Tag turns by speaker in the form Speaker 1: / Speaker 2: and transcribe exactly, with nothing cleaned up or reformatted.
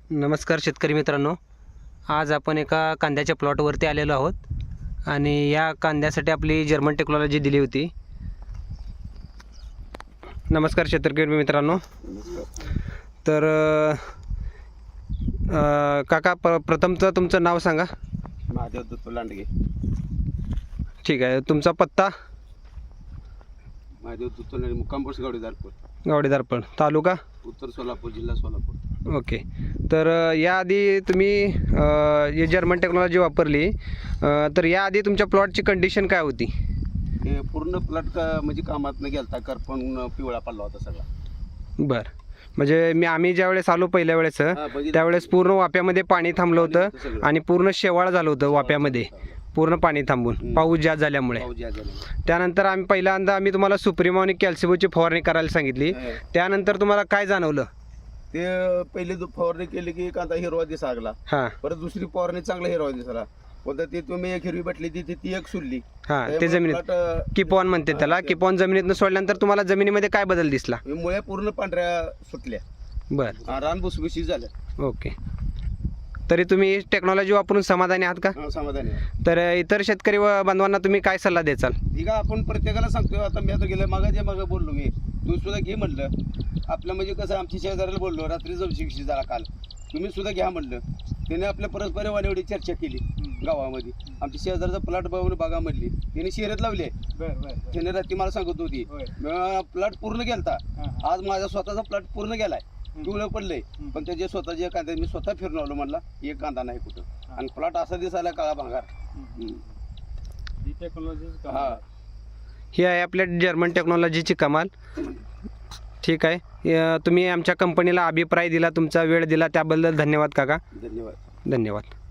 Speaker 1: नमस्कार शेतकरी मित्रांनो, आज आपण एका कांद्याच्या प्लॉटवरती आलेलो आहोत आणि या कांद्यासाठी आपली जर्मन टेक्नॉलॉजी दिली होती. नमस्कार शेतकरी मित्रांनो. तर अ, काका प प्रथमचं तुमचं नाव सांगा.
Speaker 2: महादेव दत्त लांडगे.
Speaker 1: ठीक आहे. तुमचा पत्ता?
Speaker 2: महादेव दत्त लांडगे, मुक्काम पोस्ट गावडेदारपूर,
Speaker 1: गावडेदारपण, तालुका
Speaker 2: उत्तर सोलापूर, जिल्हा सोलापूर.
Speaker 1: ओके. तर अ, याआधी तुम्ही अ, हे जर्मन टेक्नॉलॉजी वापरली, अ, तर याआधी तुमच्या प्लॉटची कंडिशन काय होती?
Speaker 2: हे पूर्ण प्लॉट का म्हणजे कामात न गेलता करपण पिवळा पडला होता सगळा.
Speaker 1: बरं, म्हणजे मी आम्ही ज्यावेळेस आलो पहिल्या वेळेस
Speaker 2: हा, बघितलं.
Speaker 1: त्यावेळेस पूर्ण वाप्यामध्ये पाणी थांबलं
Speaker 2: पाणी
Speaker 1: होतं
Speaker 2: होतं सगळं.
Speaker 1: आणि पूर्ण शेवाळ झालं होतं वाप्यामध्ये, पूर्ण पाणी थांबून
Speaker 2: हम्म.
Speaker 1: पाऊस जास्त झाल्यामुळे.
Speaker 2: पाऊस जास्त झाल्यामुळे.
Speaker 1: त्यानंतर आम्ही पहिल्यांदा आम्ही तुम्हाला सुप्रीमो आणि कॅल्सिबोची फवारणी करायला सांगितली.
Speaker 2: हा.
Speaker 1: त्यानंतर तुम्हाला काय जाणवलं?
Speaker 2: ते पहिले दु- फवारणी केली की कांदा हिरवा दिसा लागला.
Speaker 1: हां
Speaker 2: परत दुसरी फवारणी चांगला हिरवा दिसला. पुन्हा ती तुम्ही एक हिरवी भेटली ती ती एक सुरली.
Speaker 1: हां ते
Speaker 2: त्यामुळे
Speaker 1: जमिनीत
Speaker 2: plot, अं,
Speaker 1: किपॉन म्हणते त्याला.
Speaker 2: हा,
Speaker 1: किपॉन जमिनीतनं सोडल्यानंतर तुम्हाला जमिनीमध्ये काय बदल दिसला?
Speaker 2: मुळे पूर्ण पांढऱ्या सुटल्या.
Speaker 1: बरं,
Speaker 2: हा, रान भुसभुशीत झालं.
Speaker 1: ओके. तरी तुम्ही टेक्नॉलॉजी वापरून समाधानी आहात का?
Speaker 2: हा, समाधानी आहे.
Speaker 1: तर इतर शेतकरी व बांधवांना तुम्ही काय सल्ला द्याल?
Speaker 2: ठीक आहे, आपण प्रत्येकाला सांगतो. आता मी आता गेलं मागाच्या मागं बोललो मी, तू सुद्धा घे म्हणलं. आपलं म्हणजे कसं, आमच्या शेजाऱ्याला बोललो रात्री जवशी जरा काल, तुम्ही सुद्धा घ्या म्हणलं. त्याने आपल्या परस्पर वाणीवडी चर्चा केली गावामध्ये. आमच्या शेजारचा प्लॉट बघून बघा म्हणली, त्याने शर्यत लावली. त्याने रात्री मला सांगत होती प्लॉट पूर्ण गेलता. आज माझा स्वतःचा प्लॉट पूर्ण गेलाय, पिवळं पडलंय. पण त्याचे स्वतःचे कांदे मी स्वतः फिरून आलो म्हणला, एक कांदा नाही कुठं. आणि प्लॉट असा दिसायला काळा भांगार. हा,
Speaker 1: ही आहे आपल्या जर्मन टेक्नॉलॉजीची कमाल. ठीक आहे. अ, तुम्ही आमच्या कंपनीला अभिप्राय दिला, तुमचा वेळ दिला त्याबद्दल धन्यवाद काका.
Speaker 2: धन्यवाद.
Speaker 1: धन्यवाद.